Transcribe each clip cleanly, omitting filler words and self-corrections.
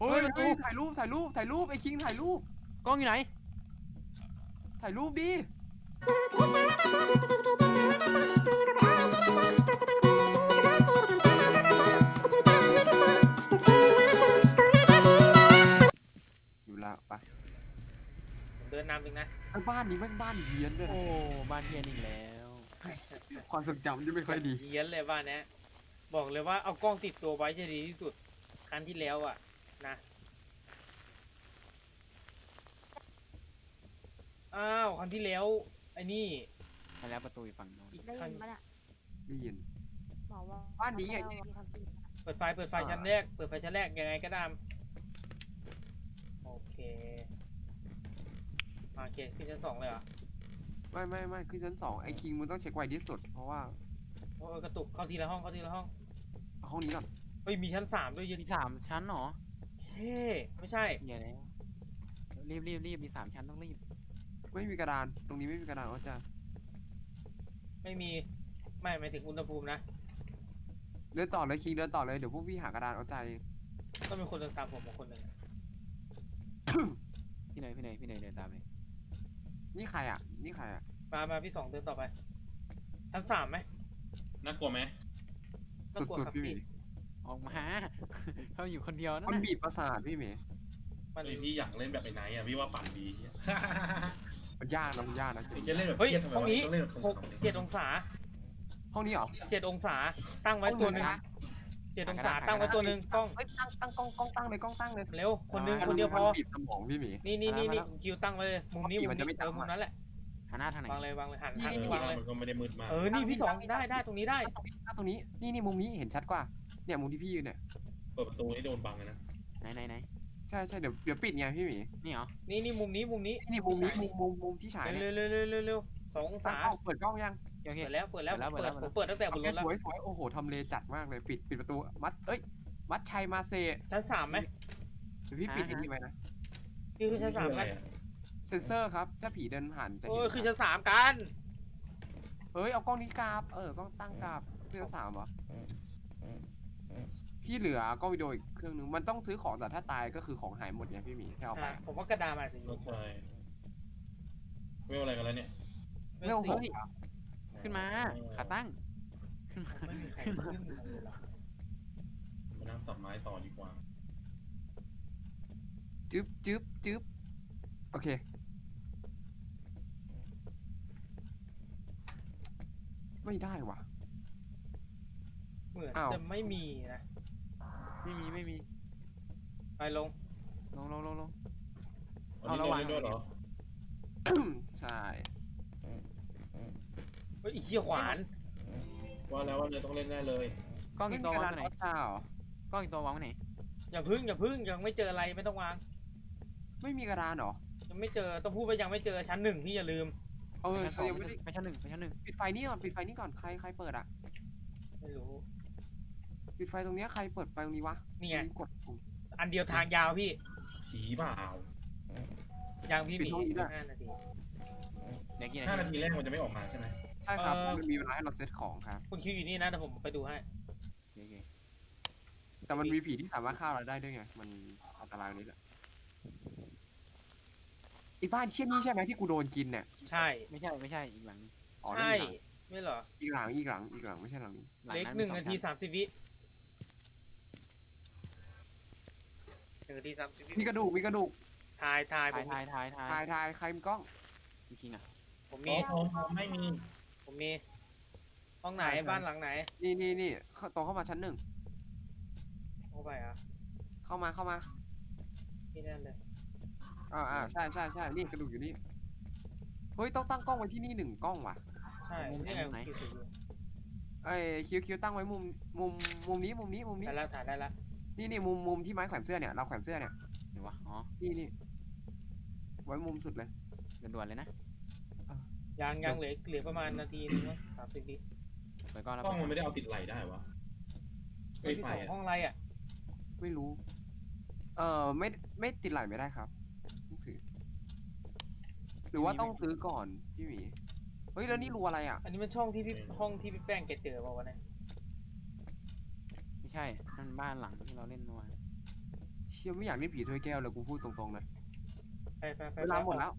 ฮ้ยถ่ายรูปไอ้คิงถ่ายรูปกล้องอยู่ไหนถ่ายรูปดิอยู่ละปะผมเดินนำเองนะไอ้บ้านนี้แม่งบ้านเฮี้ยนด้วยโอ้นะบ้านเฮียนอีกแล้วความทรงจำที่ไม่ค่อยดีเฮี้ยนเลยบ้านเนี้ยบอกเลยว่าเอากล้องติดตัวไว้จะดีที่สุดครั้งที่แล้วอ่ะนะอ้าวครั้งที่แล้วไอ้นี่ไปแล้วประตูอยู่ฝั่งโน้นอีกได้ครั้ยิงนปะเนี่ยได้ยินบอกว่าบ้านนี้ไงที่ทำชื่อเปิดไฟชั้นแรกเปิดไฟชั้นแรกยังไงก็ตามโอเคโอเคขึ้นชั้น 2เลยเหรอไม่คือชั้น2ไอ้คิงมันต้องเช็คไวที่สุดเพราะว่าโอ้ยกระตุกเข้าทีละห้องเข้าทีละห้องเอาห้องนี้ก่อนเฮ้ยมีชั้น 3ด้วยเยันมี3 ชั้นเหรอเฮ้ไม่ใช่เฮียแล้วรีบมี3 ชั้นต้องรีบไม่มีกระดานตรงนี้ไม่มีกระดานอาจารย์ไม่มีไม่หมายถึงอุณหภูมินะเดินต่อเลยคิงเดินต่อเลยเดี๋ยวพวกพี่หากระดานเอาใจก็มีคนเดินตามผมมาคนหนึ่งพี่เนยเดินตามเลยนี่ใครอ่ะมาพี่ 2เดินต่อไปชั้น 3ไหมน่ากลัวไหมสุดๆพี่หมีออกมา เขาอยู่คนเดียวนั่นมันน่ะบีบประสาทพี่หมีมันไอพี่อยากเล่นแบบไอ้ไหนอ่ะพี่ว่าปั่นดีมันยากนะไอ้จะเล่นแบบเฮ้ยเครียดทำไมห้องวะนี้ต้องเล่นแบบ 7 องศาห้องนี้เหรอ 7 องศาตั้งไว้ตัวหนึ่งห้องไหนนะ 7 องศาตั้งไว้ตัวหนึ่งกล้องเฮ้ยตั้งกล้องตั้งเลยเร็วคนหนึ่งคนเดียวพอมันบีบสมองพี่หมีนี่คิวตั้งไว้เลยมุมนี้ปกติมุมันมจะนี้ไม่ตั้งมุมนั้นแหละหันหน้าทางไหนวางเลยวางเลยหันนี่วางเลยมันก็ไม่ได้มืดมากนี่พี่ 2ได้ตรงนี้ได้ตั้งตรงนี้นี่มุมนี้เห็นชัดกว่าเนี่ยมุมที่พี่ยืนเนี่ยเปิดประตูนี่โดนบังเลยนะไหนใช่เดี๋ยวปิดไงพี่หมีนี่เหรอนี่มุมนี้นี่มุมนี้มุมที่ฉายเนี่ยเร็ว2 องศาเปิดกล้องยังโอเคเปิดแล้วผมเปิดตั้งแต่บนรถแล้วสวยโอ้โหทำเลจัดมากเลยปิดประตูมัดชัยมาเซชั้น 3ไหมเดี๋ยวพี่ปิดอย่างนี้ไว้นะนี่คือชั้น 3ไหมเซนเซอร์ครับถ้าผีเดินผ่านจะโอ้เห็ยนคือชั้น 3กันเฮ้ยเอากล้องนี้กราบกล้องตั้งกราบเครื่อง3เหรอพี่เหลือกล้องวิดีโออีกเครื่องนึงมันต้องซื้อของแต่ถ้าตายก็คือของหายหมดไงพี่หมีแค่เอาไปผมว่ากระดาษมาสิก็ใช่เวลอะไรกันแล้วเนี่ยเร็วสิเฮ้ยขึ้นมาขาตั้งขึ้นมาไม่มีใครขึ้นเลยหรอมานั่งสับไม้ต่อดีกว่าจึ๊บโอเคไม่ได้ว่ะเหมือนอ้าวจะไม่มีนะไม่มีไปลงลงวันนี้ระวังเล่นด้วยเหรอใช่เฮ้ยอีเหี้ยขวานว่าแล้วว่าเนี่ยต้องเล่นแน่เลยกล้องไม่อีกมีตัวกระวาดาง นไว้ไหนออเจ้าเหรอกล้องอีกตัววางไว้ไหนอย่าพึ่งยังไม่เจออะไรไม่ต้องวางไม่มีกระดานเหรอยังไม่เจอต้องพูดว่ายังไม่เจอชั้น 1พี่อย่าลืมเขายังไม่ได้ไปชั้นหนึ่งปิดไฟนี่ก่อนใครเปิดอ่ะไม่รู้ปิดไฟตรงเนี้ยใครเปิดไฟตรงนี้วะนี่ไงกดปุ่มอันเดียวทางยาวพี่ผีเปล่ายังพี่หปิดมีห้องนี้ด้วย 5 นาทีเดี๋ยวกี่ 5 นานาทีทีแรกมันจะไม่ออกมาใช่ไหมใช่ครับมันมีเวลาให้เราเซตของครับคุณคิวอยู่นี่นะแต่ผมไปดูให้โอเคแต่มันมีผีที่สามารถฆ่าเราได้ด้วยไงมันอันตรายตรงนี้แหละไอ้บ้านเชี่ยนี่ใช่ไหมที่กูโดนกินเนี่ยใช่ไม่ใช่อีกหลังอ๋อใช่นี่ไม่เหรออีกหลังไม่ใช่หลังนี้เล็กนั้น 1 นาที 30 วิ1 นาที 30 วิมีกระดูกถ่ายผมถ่ายใครมีกล้องพี่คิงอ่ะผมโอ้มีโหไม่มีผมมีห้องไหนบ้านหลังไหนนี่ตรงเข้ามาชั้น 1 เข้าไปอ่ะเข้ามาที่นั่นเลยใช่นี่กระดูกอยู่นี่เฮ้ยต้องตั้งกล้องไว้ที่นี่1 กล้องว่ะใช่นี่ไงคิวถืออยู่ไอ้คิวตั้งไว้มุมนี้ได้แล้วถ่ายได้แล้วนี่มุมที่ไม้แขวนเสื้อเนี่ยเราแขวนเสื้อเนี่ยเดี๋ยววะอ๋อนี่ไว้มุมสุดเลยด่วนๆเลยนะยังเหลือประมาณนาทีนึงมั้ง30 วิไปก่อนแล้วกล้องมันไม่ได้เอาติดไหลได้วะห้องที่ไฟ 2ห้องอะไรอ่ะไม่รู้ไม่ติดไหลไม่ได้ครับต้องถือหรือว่าต้องซื้อก่อนพี่หมีเฮ้ยแล้วนี่รูอะไรอ่ะอันนี้มันช่องที่พี่ห้องที่พี่แป้งแกเจอเปล่าวะเนี่ยไม่ใช่นั่นบ้านหลังที่เราเล่นเมื่อวานเชชี่ยไม่อยากเล่นผีถ้วยแก้วเลยกูพูดตรงๆนะไปเวลาหมดแล้ว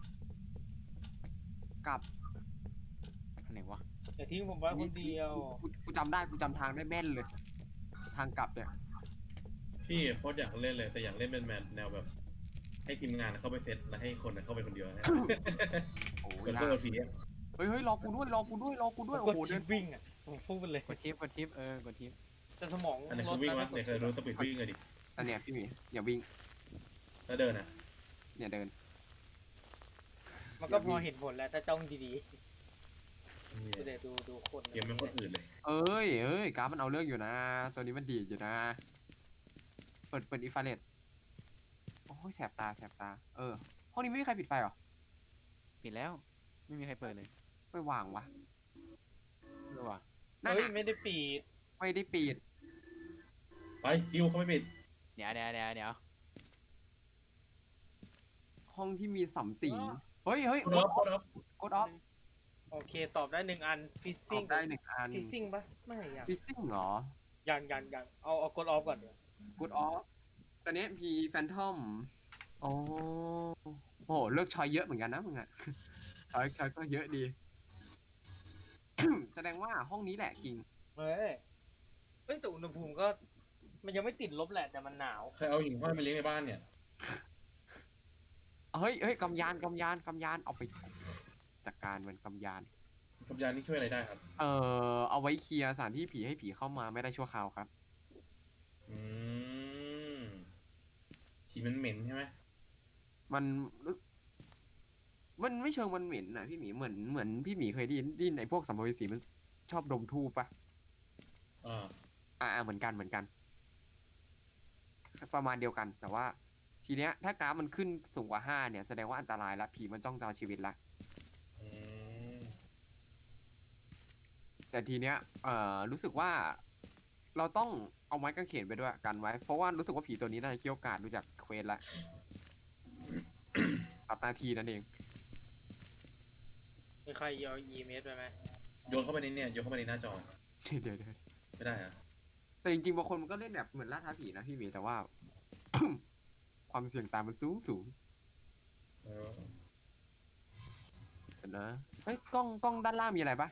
กลับอันไหนวะอย่าทิ้งผมไว้คนเดียวกูจำได้กูจำทางได้แม่นเลย ทางกลับเนี่ยพี่โคตรอยากเล่นเลยแต่อยากเล่นเป็นแนวแบบ ให้ทีมงานเข้าไปเซตแล้วให้คนเข้าไปคนเดียวนะโอ้เหยมือนยาเพื่กอนผีอะเฮ้ยรอกูด้วยรอกูด้วยรอกูด้วยกโอ้ดโหชิเดิปนวิ่งอ่ะผมฟุ้งไปเลยกดชิปกดชิปกดชิปแต่สมองอันไหนรคือถวิ่งนะวะเนี่ยเคยรู้สปีดวิ่งเลยดิอันเนี้ยพี่หมีอย่าวิ่งแล้วเดินอ่ะเนี่ยเดินมันก็พอเห็นผลแล้วถ้าจ้องดีๆเดี๋ยวดูคนเกมไม่โคตรอื่นเลยเอ้ยกราฟมันเอาเรื่องอยู่นะ ตัวนี้มันดีดอยู่นะ เปิดอินฟราเรดโอ้ยแสบตาห้องนี้ไม่มีใครปิดไฟเหรอปิดแล้ว ไม่มีใครเปิดเลยไม่วางวะเออว่ะนั่นเฮ้ยน่ะไม่ได้ปิดไม่ได้ปิดไปคิวเขาไม่ปิดเดี๋ยวห้องที่มีสัมติงเฮ้ยโคตรอัพโคตรอัพกดออฟโอเคตอบได้1 อันฟิซตซิ่อง บได้1 อันฟิซซิ่งปะไม่ยังฟิซซิ่งเหรอยังเอากดออฟก่อนเดี๋ยวกดออฟตอนนี้พีแฟนทอมโอ้โหเลือกชอยเยอะเหมือนกันนะมึงอะ ชอยก็เยอะดี แสดงว่าห้องนี้แหละคิงเฮ้ยแต่อุณหภูมิก็ มันยังไม่ติดลบแหละแต่มันหนาวใครเอาหิ่งห้อยมาเลี้ยงในบ้านเนี่ยเฮ้ยกำยานเอาไปจัดการมันกำยานกับยานี่ช่วยอะไรได้ครับเอาไว้เคลียร์สถานที่ผีให้ผีเข้ามาไม่ได้ชั่วคราวครับอืมฉี่มันเหม็นใช่ไหมมันไม่เชิงมันเหม็นนะพี่หมีเหมือนพี่หมีเคยได้ยินไอ้พวกสัมภเวสีมันชอบดมทูปปะ เหมือนกันประมาณเดียวกัน แต่ว่า ทีเนี้ยถ้ากราฟมันขึ้นสูงกว่า5เนี่ยแสดงว่าอันตรายละผีมันจ้องจะเอาชีวิตละอืมแต่ทีเนี้ยรู้สึกว่าเราต้องเอาไม้กางเขนไปด้วยกันไว้ เพราะว่ารู้สึกว่าผีตัวนี้น่าจะเกี่ยวกาดดูจากเควสละปรับหน้าที่นั่นเองมีใครเอา EMS ไปไหมโยนเข้าไปในเนี่ยโยนเข้าไปในหน้าจอเดี๋ยวไม่ได้อะแต่จริงๆบางคนมันก็เล่นแบบเหมือนล่าท้าผีนะพี่หมีแต่ว่า ความเสี่ยงตามมันสูงเออเดี๋ยวนะเฮ้ยกล้องด้านล่างมีอะไรปะ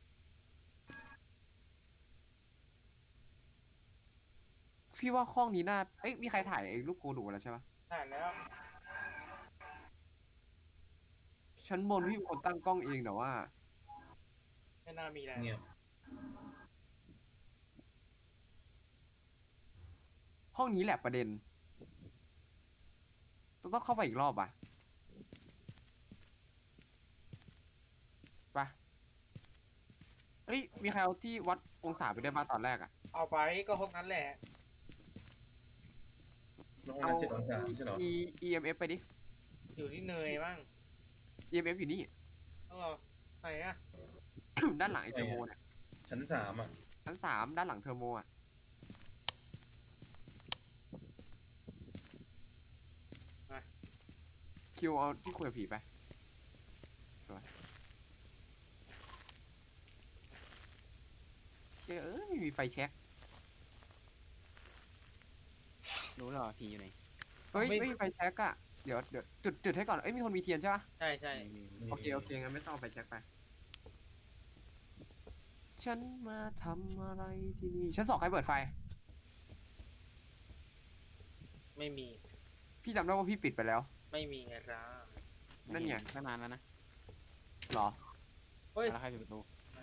พี่ว่าห้องนี้น่ามีใครถ่ายไอ้รูปโกดูแล้วใช่ปะถ่ายแล้วชั้นบนพี่เป็นคนตั้งกล้องเองแต่ว่าไม่น่ามีอะไรเงียบห้องนี้แหละประเด็น ต้องเข้าไปอีกรอบอ่ะไปมีใครเอาที่วัดองศาไปได้มาตอนแรกอ่ะเอาไปก็ห้องนั้นแหละแล้วห้องนั้น7 องศาใช่เหรอ EMF ไปดิอยู่ที่เนยบ้าง EMF อยู่นี่ต้องรอไหนอะด้านหลังไอเทอร์โมเนี่ยชั้น 3อ่ะชั้น 3ด้านหลังเทอร์โมอ่ะคิวเอาที่คุยกับผีไปสวยไม่มีไฟแช็กรู้แล้วเหรอผีอยู่ไหนไม่มีไฟแช็กอะเดี๋ยวจุดให้ก่อนมีคนมีเทียนใช่ปะใช่โอเคงั้นไม่ต้องเอาไฟแช็กไป ฉันมาทำอะไรที่นี่ชั้น 2ใครเปิดไฟไม่มีพี่จำได้ว่าพี่ปิดไปแล้วไม่มีไงจ้านั่นไงตั้งนานแล้วนะเหรอเฮ้ยแล้วใครปิดประตูแหม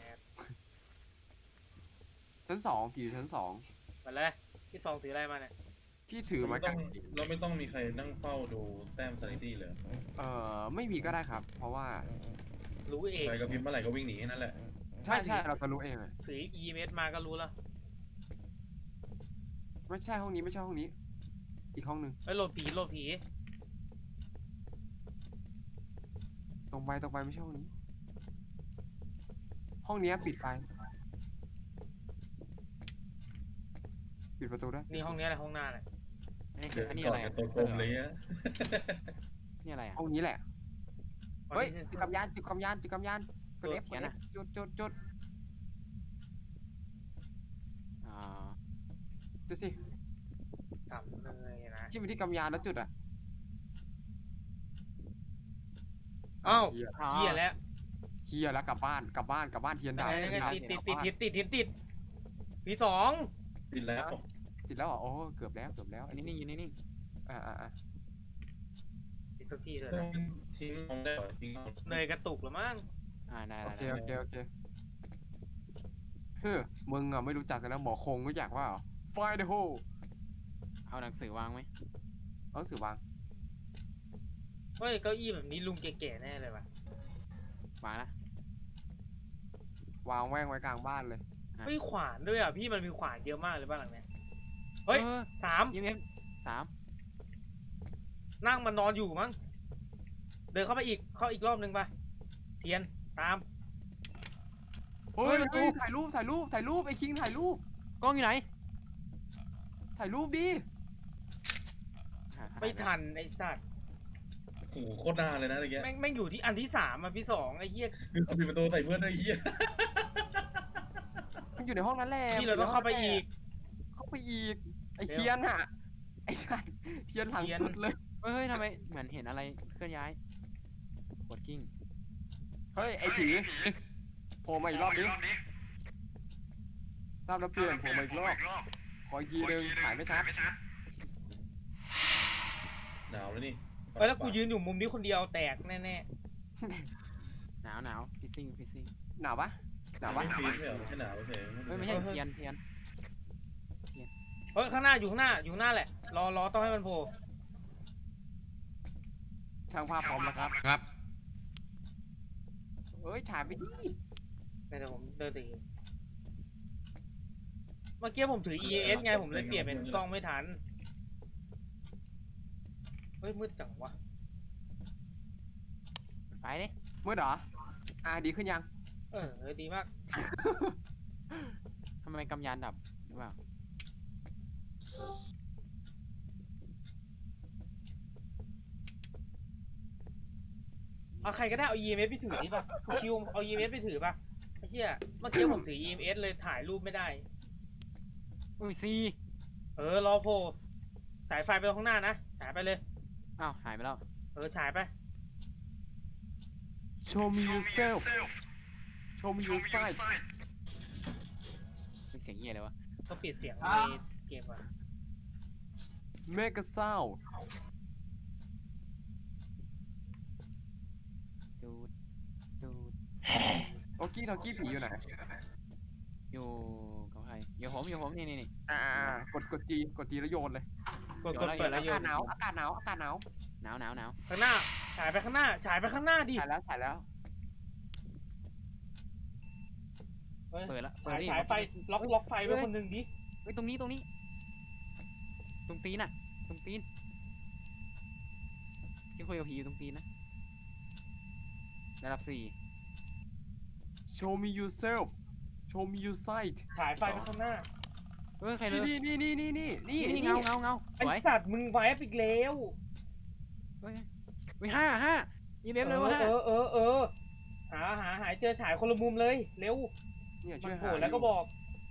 ชั้น 2ผีอยู่ชั้น 2 มาเลยที่ซองถืออะไรมาเนี่ยพี่ถือไม้กางเขนเราไม่ต้องมีใครนั่งเฝ้าดูแต้มซานิตี้เลยไม่มีก็ได้ครับ เพราะว่ารู้เองใครก็พิมพ์เมื่อไหร่ก็วิ่งหนีแค่นั้นแหละใช่เราจะรู้เองอะถือ EMS มาก็รู้แล้วไม่ใช่ห้องนี้ไม่ใช่ห้องนี้ อีกห้องหนึ่งโหลดผีตรงไปไม่ใช่ห้องนี้ ห้องนี้ปิดไฟ ปิดประตูด้วยนี่ห้องนี้อะไรห้องหน้าเลยอันนี้เดิอะไรก่อ่ะกับตัวกลมเลยอะนี่อะไรอ่ะห้องนี้แหละ เฮ้ยเซ็นเซจุอดร์กำยานกด F เขียนอะจุดอ่าจุดสิทต่ำเลยนะจิ้มไปที่กำยานแล้วจุดอ่ะอ้าวเหี้ยเหี้ยแล้วเฮียแล้วกลับบ้านเทียนดาวยังไงเทียนดาวติดปีสองติดแล้วติดแล้วเหรอโอ้เกือบแล้วอันนี้นิ่งอยู่นิ่งอ่าติดสักทีเถอะต้อนะงทิ้งมองได้เหรอทิ้งมองเนยกระตุกหรือมั้งได้โอได้เคเฮ้ยมึงอ่ะไม่รู้จักกันแล้วหมอคงรู้จักว่า Find the hole เอาหนังสือวางไหมเอาหนังสือวางเฮ้ยเก้าอี้แบบนี้ลุงแก่ๆแน่เลยว่ะวางละวางแว่งไว้กลางบ้านเลยเฮ้ยขวานด้วยอ่ะพี่มันมีขวานเยอะมากเลยบ้านหลังเนี้ยเฮ้ย สาม EMF 3 นั่งมันนอนอยู่มั้งเดินเข้าไปอีกรอบนึงไปเทียนตามเฮ้ยถ่ายรูปไอ้คิงถ่ายรูปกล้องอยู่ไหนถ่ายรูปดิไม่ทันไอ้สัตว์โอ้โหโคตรนานเลยนะอะไรเงี้ยแม่งอยู่ที่อันที่สามอ่ะพี่สองไอ้เหี้ยปิดประตูใส่เพื่อนด้วยไอ้เหี้ยมันอยู่ในห้องนั้นแหละพี่เราต้องเข้าไปอีกไอ้เทียนอ่ะไอ้ชันเทียนหลังสุดเลยเฮ้ยทำไมเหมือนเห็นอะไรเคลื่อนย้ายกดกิ้งเฮ้ยไอ้ผีโผล่มาอีกรอบดิทราบแล้วเปลี่ยนโผล่มาอีกรอบขออีกทีนึงถ่ายไม่ชัดหนาวแล้วนี่เฮ้ยแล้วกูยืนอยู่มุมนี้คนเดียวแตกแน่หนาวฟิซซิ่งหนาวปะไม่ฟีดไม่เหรอแค่หนาวเฉยไม่ใช่เทียนๆเฮ้ยข้างหน้าอยู่ข้างหน้าแหละรอต้องให้มันโผล่ช่างภาพพร้อมแล้วครับเอ้ยฉายไปดิเดี๋ยวผมเดินตีเมื่อกี้ผมถือ EAS ไงผมเลยเปลี่ยนเป็นกล้องไม่ทันเฮ้ยมืดจังวะไฟดิมืดเหรอดีขึ้นยังดีมากทำไมกำยานดับหรือเปล่าเอาใครก็ได้เอา EMS ไปถือดิป่ะคิวเอา EMS ไปถือป่ะไอ้เหี้ยเมื่อกี้ผมถือ EMS เลยถ่ายรูปไม่ได้อุ้ยซีรอโผล่ฉายไฟไปข้างหน้านะฉายไปเลยอ้าวหายไปแล้วฉายไป Show me yourself Show me your side มีเสียงเหี้ยเลยวะต้องปิดเสียงในเกมอ่ะ Make a sound ดูดโอกี้ทอกี้ผีอยู่ไหนอยู่กับใครอยู่ผมนี่กดจีแล้วโยนเลยกดเปิดแล้วโยอาน กาศหนาวหนาวข้างหน้าฉายไปข้างหน้าดิถ่ายแล้วเปิดละฉายไฟล็อกไฟไว้คนหนึ่งดิเฮ้ยตรงนี้ตรงตีนน่ะตรงตีนที่คุยกับผีอยู่ตรงตีนนะระดับ Show me yourself Show me your side ฉายไฟไปข้างหน้า 4เฮ้ยใครเลยนี่เงาสไอวยสัตว์มึงไว้อีกแล้วเฮ้ย5EMF เลยวะหายเจอฉายคนละมุมเลยเร็วเนี่ยมัช่วน ยโผหาล่แล้วก็บอก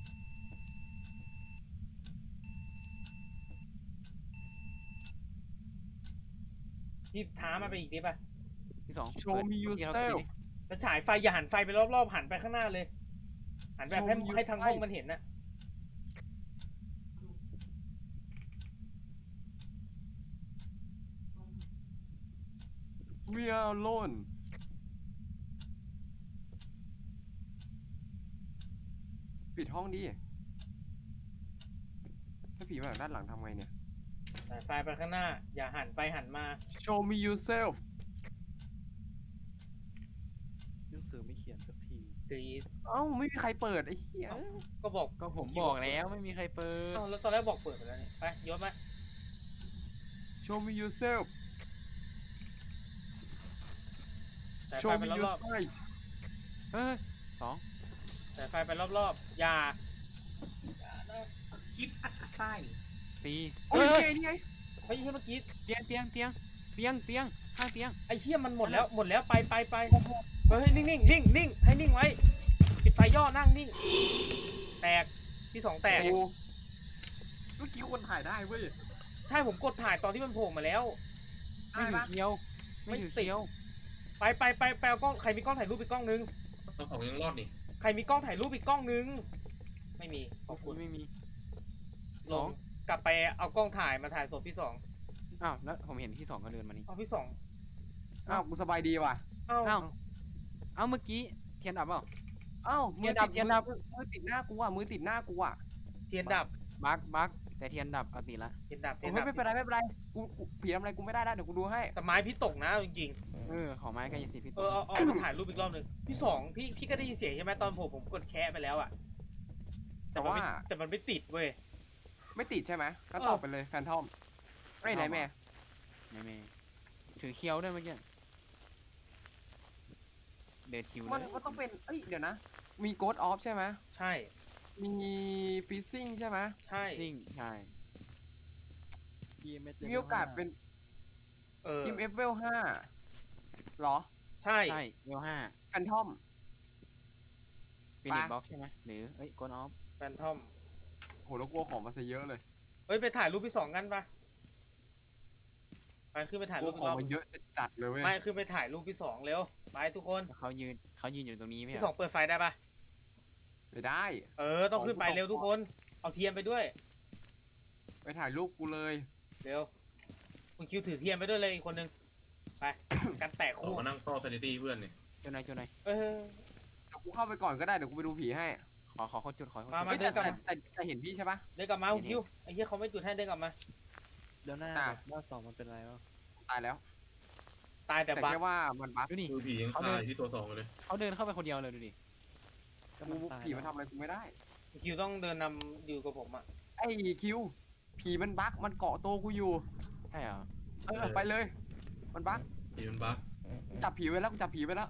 พี่ท้ามาไปอีกดิป่ะที่2 Show me yourself แล้วฉายไฟอย่าหันไฟไปรอบๆหันไปข้างหน้าเลย หันแบบให้ทั้งห้องมันเห็นนะ We are alone ปิดห้องดิถ้าผีมาจากด้านหลังทำไงเนี่ยฉายไฟไปข้างหน้า อย่าหันไปหันมา Show me yourself หนังสือไม่เขียนสักทีถือเอ้าไม่มีใครเปิดไอ้เหี้ยก็บอกก็ผมบอกแล้วไม่มีใครเปิดแล้วตอนแรกบอกเปิดไปแล้วนี่ไปยศมา Show me yourself ฉายไฟ Show ไป me ร your อบ side เฮ้ยๆฉายไฟไปรอบๆอย่าคิดอัดไส้ 4 โอ้เฮ้ยยนี่ไงเฮ้ยเมื่อกี้เตียงข้างเตียงไอ้เหี้ยมันหมดแล้วไปเฮ้ยนิ่งให้นิ่งไว้ปิดไฟย่อนั่งนิ่งแตกที่สองแตกโอ้เมื่อกี้คนถ่ายได้เว้ยช่ผมกดถ่ายตอนที่มันโผล่มาแล้วไม่ถือเคียว ไม่ถือเคียวไปเอากล้องใครมีกล้องถ่ายรูปอีกกล้องนึงต้องของยังรอดนี่ใครมีกล้องถ่ายรูปอีกกล้องนึงไม่มีขอบคุณไม่มีลงกลับไปเอากล้องถ่ายมาถ่ายศพที่สองอ้าวแล้วผมเห็นที่สองก็เดินมานี่เอาที่สองอ้าวกูสบายดีว่ะเอ้าอ้าวเอ้าเมื่อกี้เทียนดับเปล่าอ้าวมือเทียนดับมือติดหน้ากูอ่ะมือติดหน้ากูอ่ะเทียนดับบักแต่เทียนดับเอาติดละเทียนดับโอ้ยไม่เป็นไรไม่เป็นไรกูผีทำอะไรกูไม่ได้แล้วเดี๋ยวกูดูให้แต่ไม้พี่ตกนะจริงของไม้กายสิทธิ์พี่ๆตัวเอามาถ่ายรูปอีกรอบนึงพี่สองพี่ก็ได้ยินเสียงใช่ไหมตอนผมกดแชะไปแล้วอะแต่ว่าแต่มันไม่ติดเว้ยไม่ติดใช่ไหมก็ตอบไปเลยแฟนทอมไอ้ยไหนแม่ไม่ถือเคียวด้วยเมื่อกี้เดินคิวเลมันยต้องเป็นเอ้ยเดี๋ยวนะ มีโกดออฟใช่ไหมใช่มีฟิซซิ่งใช่ไหมใช่ซิ่งใช่ EMS มีโอกาสเป็นเออทีมเอฟเวล5หรอใช่ใช่เวลห้าแฟนทอมฟินิชบ็อกใช่ไหมหรือโกนออฟแฟนทอมโหแล้วกลัวของมาซะเยอะเลยเฮ้ยไปถ่ายรูปพี่สองกันปะไปขึ้นไปถ่ายกลัรูวปขอีอก งรอบมาเยอะจัดเลยเว้ยไม่ขึ้นไปถ่ายรูปพี่สองเร็วไปทุกคนเขายืนอยู่ตรงนี้ไม่พี่ใช่สองเปิดไฟได้ปะไม่ได้ต้องขึ้นไปเร็วทุกคนเอาเทียนไปด้วยไปถ่ายรูปกูเลยเร็วคุณคิวถือเทียนไปด้วยเลยอีกคนนึงไป กันแตกขอคู่มานั่งเฝ้าซานิตี้เพื่อนนี่จุดไหนเออเดี๋ยวกูเข้าไปก่อนก็ได้เดี๋ยวกูไปดูผีให้ขอเขาจุดขอเขามาจุดเฮ้ยเดินกลับมาแต่เห็นพี่ใช่ปะเดินกลับมาคุณคิวไอ้เหี้ยเขาไม่จุดให้เดินกลับมาเดี๋ยวหน้าอ่ะแบบหน้าสองมันเป็นอะไรวะตายแล้วตายแต่แต่บักแค่ว่ามันบั๊กดูนี่คือผียังคาอยู่ที่ตัวสองอยู่เลยเขาเดินเข้าไปคนเดียวเลยดูดิก็กูมันตายผีมันทำอะไรกูไม่ได้คุณคิวต้องเดินนำอยู่กับผมอ่ะไอ้คิวผีมันบั๊กมันเกาะตัวกูอยู่ใช่เหรอไปเลย มันบั๊กผีมันบั๊กจับผีไว้แล้วกูจับผีไว้แล้ว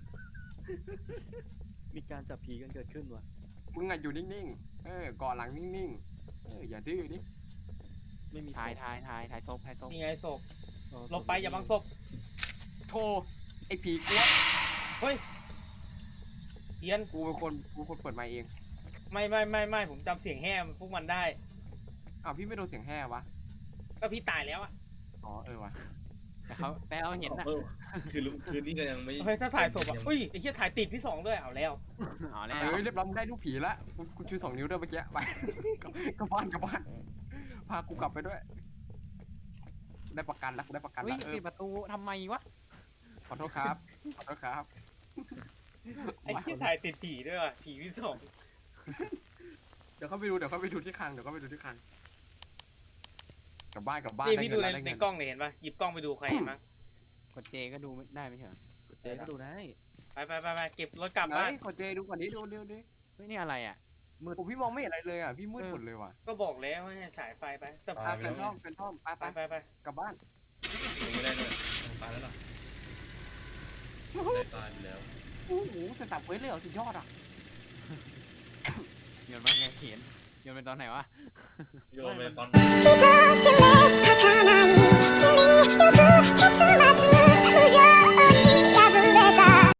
มีการจับผีกันเกิดขึ้นว่ะมึงอะอยู่นิ่งๆเกาะหลังนิ่งๆอย่าดื้อดิไม่มีถ่ายศพถ่ายศพนี่ไงศพอ๋อหลบไปอย่าบังศพโทรไอ้ผีกลัวเฮ้ยเทียนกูเป็นคนเปิดไมค์เองไม่ผมจำเสียงแห่พวกมันได้อ้าวพี่ไม่โดนเสียงแห่วะก็พี่ตายแล้วอ่ะอ๋อวะแต่เขาเห็นนะคืนนี้ก็ยังไม่เฮ้ยถ้าถ่ายศพอ่ะอุ้ยไอ้เหี้ยถ่ายติดพี่สองด้วยเอาแล้วอ๋อแล้วเรียบร้อยมึงได้ลูกผีละกูชู2 นิ้วด้วยเมื่อกี้ไป กลับบ้านพากูกลับไปด้วยได้ประกันแล้วกูได้ประกันเฮ้ยแล้วปิดประตูทำไมวะขอโทษครับขอโทษครับไอ้เหี้ยถ่ายติดผีด้วยว่ะผีพี่สองเดี๋ยวเข้าไปดูที่คลังกลับบ้านนี่ได้พี่เงิดูนในแล้วได้ในเงินกล้องเนี่ยเห็นปะหยิบกล้องไปดูใครเห็นมั้งกดเจก็ดูได้ไม่ใช่เหรอเจ๊ก็ดูได้ไปเก็บรถกลับไหนบ้านขอเจดูก่อนดิดูดิเฮ้ยนี่อะไรอ่ะโอ้พี่มองไม่เห็นอะไรเลยอ่ะพี่มืดหมดเลยว่ะก็บอกแล้วว่าให้ฉายไฟไปแต่แฟนทอมไปไปกลับบ้านไม่ได้เลยตายแล้วล่ะตายไปแล้วโอ้โหสตับเว้ยเลยเหรอสุดยอดอ่ะโยนมาไงเขียนโยนเป็นตอนไหนวะโยนไปตอน人知れ儚い地によく決ま